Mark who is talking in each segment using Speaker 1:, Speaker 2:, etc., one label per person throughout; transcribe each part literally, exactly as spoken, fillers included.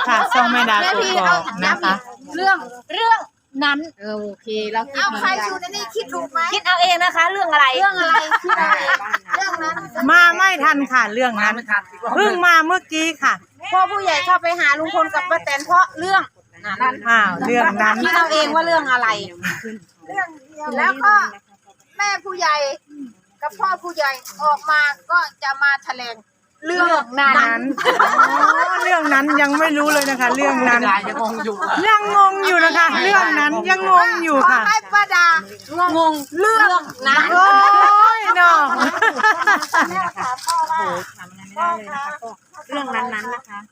Speaker 1: ค่ะช่องแม่ดากกอกนะคะ
Speaker 2: เรื่องเรื่องนั้น
Speaker 3: โอเคเราคิด
Speaker 2: เอา
Speaker 3: เหมือน
Speaker 2: ใคร
Speaker 3: กั
Speaker 2: อน ยู่ในนี้คิดถูกไหม
Speaker 3: คิดเอาเองนะคะ เรื่องอะไร
Speaker 2: เรื่องอะไรคิดอะไรเรื่องนั้น
Speaker 1: มาไม่ทันค่ะเรื่องนั้นเพิ่งมาเมื่อกี้ค่ะ
Speaker 2: พ่อผู้ใหญ่เข้าไปหาลุงพลกับป้าแตนเพราะเรื่องนั้น
Speaker 1: อ้าวเรื่องนั้น
Speaker 2: คิดเอาเองว่าเรื่องอะไรเรื่องเดียวแล้วก็แม่ผู้ใหญ่กับพ่อผู้ใหญ่ออกมาก็จะมาแถลงเรื่องนั้น
Speaker 1: นั้นอ๋อเรื่องนั้นยังไม่รู้เลยนะคะ เรื่องนั้น
Speaker 4: ยังงงอยู่
Speaker 1: ยังงงอยู่นะคะ เรื่องนั้นยังงงอยู่ค่ะ
Speaker 2: ขอให้ป้าดางงเรื่องนั้น
Speaker 1: โอ้ยเนาะ
Speaker 2: แม่ค่ะพ่อว่า
Speaker 3: พ่อคะเรื่องนั้นๆนะคะ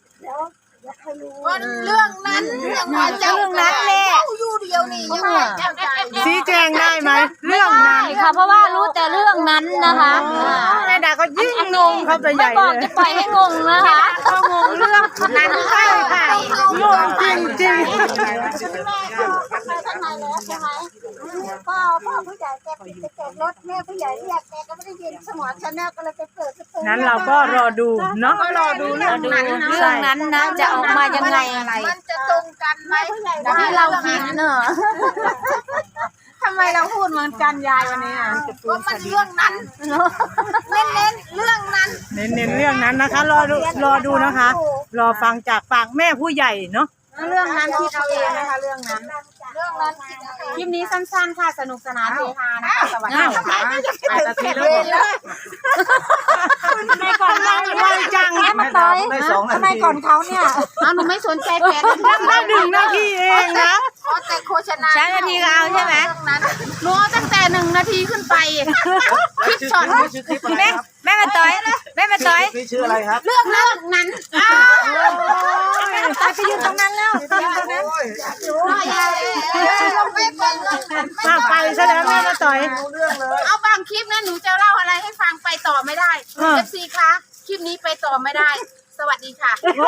Speaker 2: วันเรื่องนั้นยังว่าเจ้า
Speaker 3: เรื่องนั้นแหละ
Speaker 2: อยู่เดียวนี่ยังว่าเจ้าใจ
Speaker 1: ชี้แจงได้ไหมเรื่องนั้น
Speaker 3: ใช่ค่ะเพราะว่ารู้แต่เรื่องนั้นนะคะ
Speaker 1: แม่ดาก็ยิ่งงงเข้าไปให
Speaker 3: ไม่
Speaker 1: ญ่
Speaker 3: บอก
Speaker 1: เล
Speaker 3: จะ
Speaker 1: ย
Speaker 3: ปล่อยให้งงนะคะ
Speaker 1: ก็งงเรื่องนั้นใช่ค่ะงงจริงจริง
Speaker 2: ข้างในแล้วใช่ไหมพ่อพ่อผู้ใหญ่แกปิดกระจกรถแม่ผู้ใหญ่เรียกแกก็ไม่ได้ยินสมองชาแนลก็เลยไปเปิดประตู
Speaker 1: นั้นเราก็รอดูเนาะ
Speaker 2: ก็รอดูเรื่องนั้นนะ
Speaker 3: เรื่องนั้นนะจะออกมายังไง
Speaker 2: มันจะตรงกันไหม
Speaker 3: ที่เราคิดเนอะ
Speaker 2: ทำไมเราพูดเหมือนกันยายวันนี้อ่ะว่ามันเรื่องนั้นเน้นเน้นเรื่องนั้น
Speaker 1: เน้นๆเรื่องนั้นนะคะ รอดูรอดูนะคะ รอฟังจากปากแม่ผู้ใหญ่เนาะ
Speaker 2: เรื่องนั้นคิดเอาเองนะคะเรื่องนั้นเรื่องนั้นคิดเอาเองคลิปนี้สั้นๆค่ะสนุกสนานเฮฮานะคะสวัสดีค่ะ
Speaker 4: นาทีแล้ว
Speaker 3: ทำไมก่อนเรา
Speaker 1: ไวจัง
Speaker 3: แม่มาต่อย
Speaker 4: ได้สองนาที
Speaker 3: ทำไมก่อนเขาเนี่ย
Speaker 2: เอาหนูไม่สนใจแปด
Speaker 1: ได้หนึ่งนาทีเองนะ
Speaker 2: ขอแต่โฆษณา
Speaker 3: ใช้นาทีก็เอาใช่ไหม
Speaker 2: เรื่องนั้นหนูเอาตั้งแต่หนึ่งนาทีขึ้นไปคลิปช็อต
Speaker 4: ชื่อคลิปอะไร
Speaker 3: แม่
Speaker 4: ครับ
Speaker 3: แม่มาต่อยแม่มาต่อย
Speaker 4: คลิปชื่ออะไรครับ
Speaker 2: เรื่องนั้นนั้น
Speaker 3: ตายไปยืนตรงนั้นแล้ว
Speaker 1: มาไปซะแล้วแม่มาต่อย
Speaker 2: เอาบางคลิปนะหนูจะเล่าอะไรให้ฟังไปต่อไม่ได้
Speaker 1: เออ
Speaker 2: เอฟซีคะคลิปนี้ไปต่อไม่ได้ สวัสดีค่ะ
Speaker 1: โอ้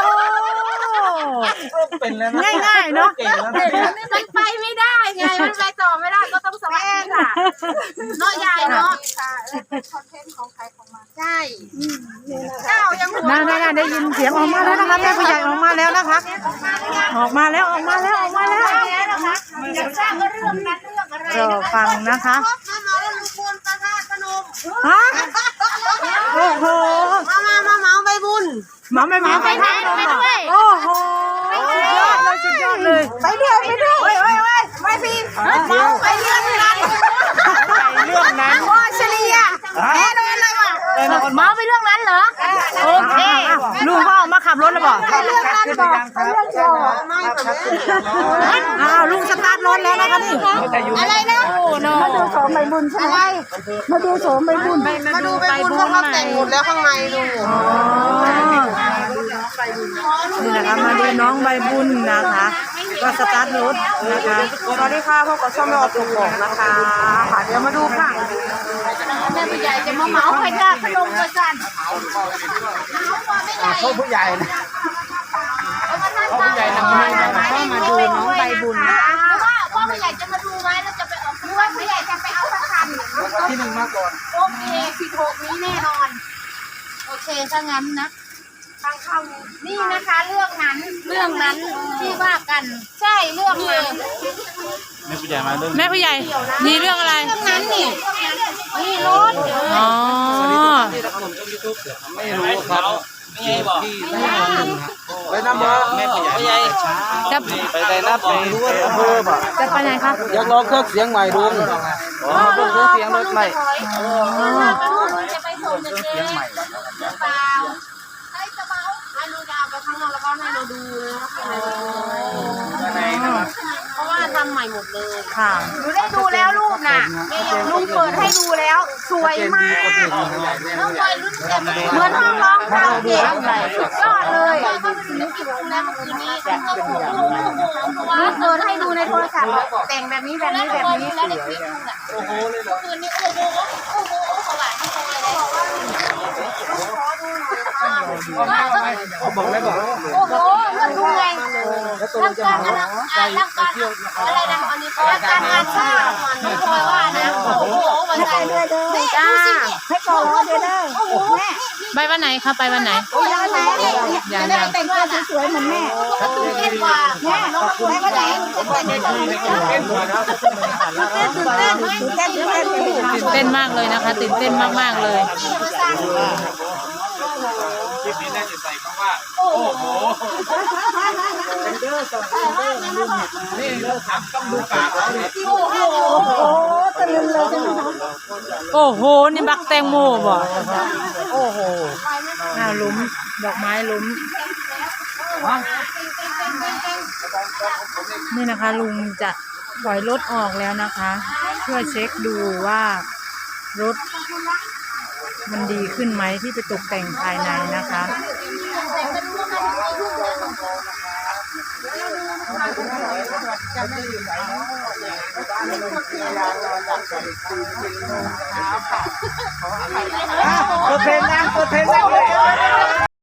Speaker 4: เป็นแล้วนะ
Speaker 1: ง่ายๆเนาะ
Speaker 4: เก่งแล้วนะ
Speaker 2: มันไปไม่ได้ไงมันไปต่อไม่ได้ก็ต้องสวัสดีค่ะเนาะยายเนาะเป็นคอนเทนต์ของใครของมันใช่เจ้ายังหัว
Speaker 1: น่าน่าได้ยินเสียงออกมาแล้วนะคะแม่ผู้ใหญ่ออกมาแล้วนะคะ ออกมาแล้วออกมาแล้วออกมาแล้ว
Speaker 2: อยากทราบว่าเรื่องนั้นเรื่องอะไร
Speaker 1: รอฟังนะคะ
Speaker 2: มามาแล้วลุงพลประธานพนม
Speaker 1: ฮะโอ้โห
Speaker 2: มามามาเมาใบบุญ
Speaker 1: หมาไม่หมาไปทางลมอ่ะโอ้โหสุดยอดเลยสุดยอดเลย
Speaker 2: ไปด้วยไปด้วยไปไปไปไปพี่เมาไปเรื่องนั้น
Speaker 1: เรื่องนั้น
Speaker 2: โอ้เฉลี่ยแน่นอนเลยว่ะ
Speaker 3: เมาไปเรื่องนั้นเหรอโอเค
Speaker 1: ลุงพ่อมาขับรถแล้วบอก
Speaker 2: เรื่องนั้นบอกเรื่องเดียวไม่แบบนี้
Speaker 1: อ้าวลุงสตาร์ทรถแล้วนะคะนี่
Speaker 2: อะไรนะ
Speaker 3: มาดูโสมใบบุญใช่ไหมมาดูโสมใบบุญ
Speaker 2: มาดูไปบุญเพราะเขาแต่งหมดแล้วข้างในดู
Speaker 1: อ๋อนี่นะคะมาดูน้องใบบุญนะคะก็สตาร์ทรถนะคะ
Speaker 2: สวัสดีค่ะพบกับช่องแม่ออตุกบอกนะคะค่ะเดี๋ยวมาดูค่ะแม่ผู้ใหญ่จะมาเหมาไปค่ะขนมกระจัน
Speaker 4: เขาผู้ใหญ่นะ
Speaker 2: พ่อผู้ใหญ่ทำงานก็มาดูน้องใบบุญว่าพ่อผู้ใหญ่จะมาดูไหมแล้วจะไปออกหรือว่าผู้ใหญ่จะไปเอาสักคัน
Speaker 4: ที่หนึ่งมาก่อน
Speaker 2: โอเคสิบหกนี้แน่นอนโอเคถ้างั้นนะทางเข้านี่นะคะเรื่องนั้นเรื่องนั้นที่ว่ากันใช่เรื่องนั้น
Speaker 4: แม่ผู้ใหญ่มาเรื่อง
Speaker 1: แม่ผู้ใหญ่มีเรื่องอะไร
Speaker 2: เรื่องนั้นนี่นี่รถ
Speaker 1: อ๋อ
Speaker 4: ไม่รู้ครับไม่ใช่บอกไปน้ำมาแม่ผู้ใหญ่ไม่ใช่
Speaker 1: จะ
Speaker 4: ไปได้นัดไปอำเภอป่ะ
Speaker 1: จะไปไหนครับ
Speaker 4: อยากลองเครื่องเสียงใหม่ดูอ๋อเพิ่งเครื่องเสียงรถใหม่
Speaker 2: จะไปส่งเด็กๆหรือเปล่าให้จะเมาให้ดูดาวไปข้างนอกแล้วก็ให้เราดูนะเพราะว่าทำใหม่หมดเลย
Speaker 1: ค่ะ
Speaker 2: หนูได้ดูแล้วรูปน่ะลุงเปิดให้ดูแล้ว สวยมากน้องบอยรุ่นแบบเหมือนห้องร้องคาราโอเกะสุดยอดเลยหนูกี่โมงแล้วเมื่อคืนนี้ลุงเปิดให้ดูในโทรศัพท์แต่งแบบนี้แบบนี้แบบนี้แล้วในคลิปลุงอ่ะ
Speaker 4: โอ้โหเลยเหรอ
Speaker 2: คืนนี้โอ้โหโอ้โหสว่างที่สุดเลยขอดูหน่อย
Speaker 4: บอกแล้วบอก
Speaker 2: โอ้โหเลือกดูไงร่างกายอะไรอ่าร่างกายอะไรนะอันนี้ร่างกายงานชาติน้องพลอยว่านะโอ้โหวันไหนเลยเด้อจ้าให้ก่อนรอเด้อโอ้โหแม่นี่
Speaker 1: ไปวันไหนคะไปวันไหน
Speaker 3: ยังไง
Speaker 1: ยัง
Speaker 3: จะได้
Speaker 1: ยัง
Speaker 3: แต่งตัวสวยๆเหมือนแม่
Speaker 2: ตื่นเต้นกว่า
Speaker 3: แม่ไปวันไหนแต่งตัวเหมือนแม่
Speaker 4: เป็นหัวนะ
Speaker 3: ตื่นเต้นตื่นเต้นตื่นเต้นตื่นเต้น
Speaker 1: ตื่นเต้นมากเลยนะคะตื่นเต้นมากๆเลย
Speaker 4: คลิปนี้น่าจะใส่คำว่าโอ้โหนี่เราถามต้องดูปากเราเนี่ย
Speaker 3: โอ้โหตะลึงเลยใช่ไหมคะ
Speaker 1: โอ้โหนี่บักแตงโมบ่โอ้โหอ้าวหลุมดอกไม้หลุมนี่นะคะลุงจะปล่อยรถออกแล้วนะคะ เพื่อเช็คดูว่ารถมันดีขึ้นไหมที่ไปตกแต่งภายในนะคะ
Speaker 4: เปิดเพลงนะเปิดเพลงนะ